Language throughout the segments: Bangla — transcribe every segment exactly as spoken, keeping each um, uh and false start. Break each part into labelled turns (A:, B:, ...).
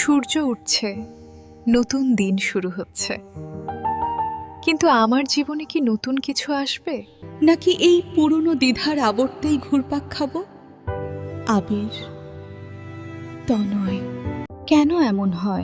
A: সূর্য উঠছে, নতুন দিন শুরু হচ্ছে, কিন্তু আমার জীবনে কি নতুন কিছু আসবে,
B: নাকি এই পুরনো দ্বিধার আবর্তেই ঘুরপাক খাবো? আবির, তনয়, কেন এমন হয়?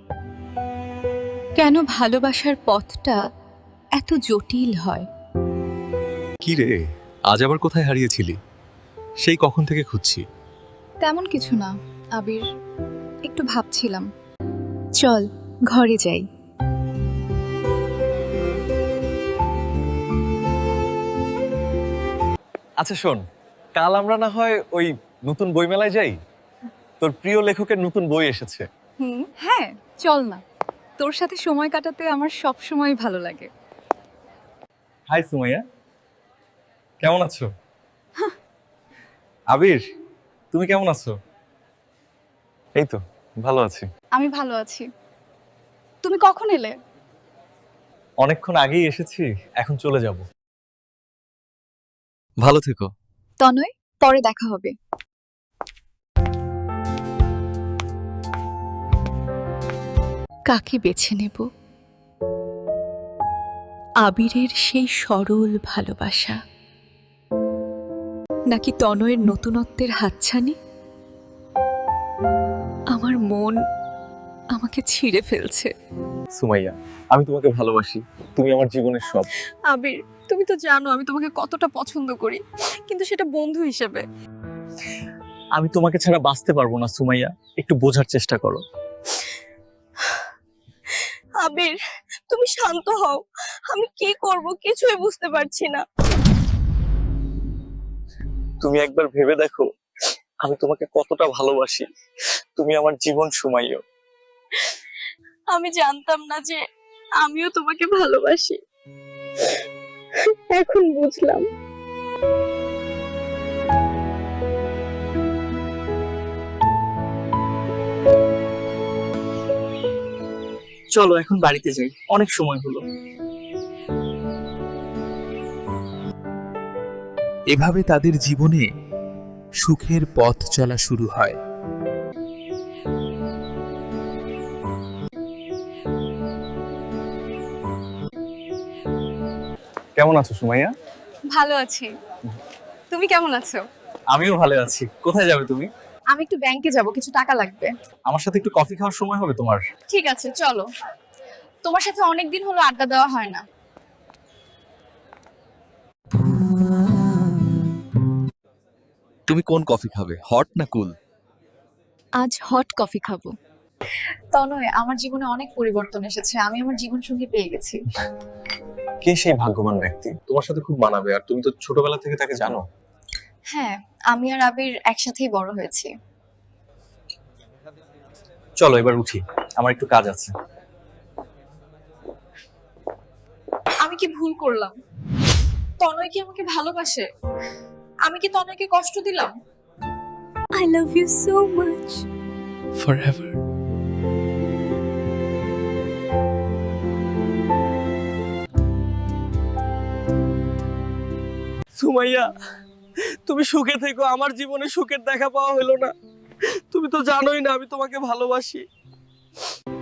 B: কেন ভালোবাসার পথটা এত জটিল হয়?
C: কি রে, আজ আবার কোথায় হারিয়েছিলি? সেই কখন থেকে খুঁজছি।
A: তেমন কিছু না আবির, একটু ভাবছিলাম। চল ঘরে যাই।
C: আচ্ছা শোন, কাল আমরা না হয় ওই নতুন বইমেলায় যাই। তোর প্রিয় লেখকের নতুন বই এসেছে।
A: হুম, হ্যাঁ চল না, তোর সাথে সময় কাটাতে আমার সব সময় ভালো লাগে।
C: হাই সুমাইয়া, কেমন আছো? আবির, তুমি কেমন আছো? এই তো ভালো আছি।
A: আমি ভালো আছি। তুমি কখন এলে?
C: অনেকক্ষণ আগেই এসেছি, এখন চলে যাব। ভালো থেকো।
A: তনয়, পরে দেখা হবে।
B: কাকে বেছে নেব? আবিরের সেই সরল ভালোবাসা, নাকি তনয়ের নতুনত্বের হাতছানি? আমার মন আমাকে ছিঁড়ে ফেলছে।
C: সুমাইয়া, আমি তোমাকে ভালোবাসি, তুমি আমার জীবনের সব।
A: আবির, তুমি তো জানো আমি তোমাকে কতটা পছন্দ করি, কিন্তু সেটা বন্ধু হিসেবে।
C: আমি তোমাকে ছাড়া বাঁচতে পারবো না সুমাইয়া, একটু বোঝার চেষ্টা করো।
D: আবির, তুমি শান্ত হও। আমি কি করব কিছুই বুঝতে পারছি না।
C: তুমি একবার ভেবে দেখো, আমি তোমাকে কতটা ভালোবাসি। তুমি আমার জীবন সুমাইয়া।
D: আমি জানতাম না যে আমিও তোমাকে ভালোবাসি, এখন বুঝলাম।
E: চলো এখন বাড়িতে যাই, অনেক সময় হলো।
F: এভাবে তাদের জীবনে সুখের পথ চলা শুরু হয়।
C: কেমন আছো সুমাইয়া?
A: ভালো আছি, তুমি কেমন আছো?
C: আমিও ভালো আছি। কোথায় যাবে তুমি?
A: আমি একটু ব্যাংকে যাব, কিছু টাকা লাগবে।
C: আমার সাথে একটু কফি খাওয়ার সময় হবে তোমার?
A: ঠিক আছে চলো, তোমার সাথে অনেকদিন হলো আড্ডা দেওয়া হয় না।
F: তুমি কোন কফি খাবে, হট না কুল?
A: আজ হট কফি খাবো। তনয়, আমার জীবনে অনেক পরিবর্তন এসেছে, আমি আমার জীবন সঙ্গী পেয়ে গেছি।
C: কে সেই ভাগ্যবান ব্যক্তি? তোমার সাথে খুব মানাবে, আর তুমি তো ছোটবেলা থেকে তাকে জানো।
A: হ্যাঁ, আমি আর আবির একসাথেই বড় হয়েছি।
C: চলো এবার উঠি, আমার একটু কাজ আছে।
A: আমি কি ভুল করলাম? তনয় কি আমাকে ভালোবাসে? আমি কি তনয়কে কষ্ট দিলাম?
B: I love you so much.
F: Forever.
E: Sumaiya, তুমি সুখে থেকো, আমার জীবনে সুখের দেখা পাওয়া হলো না। তুমি তো জানোই না আমি তোমাকে ভালোবাসি।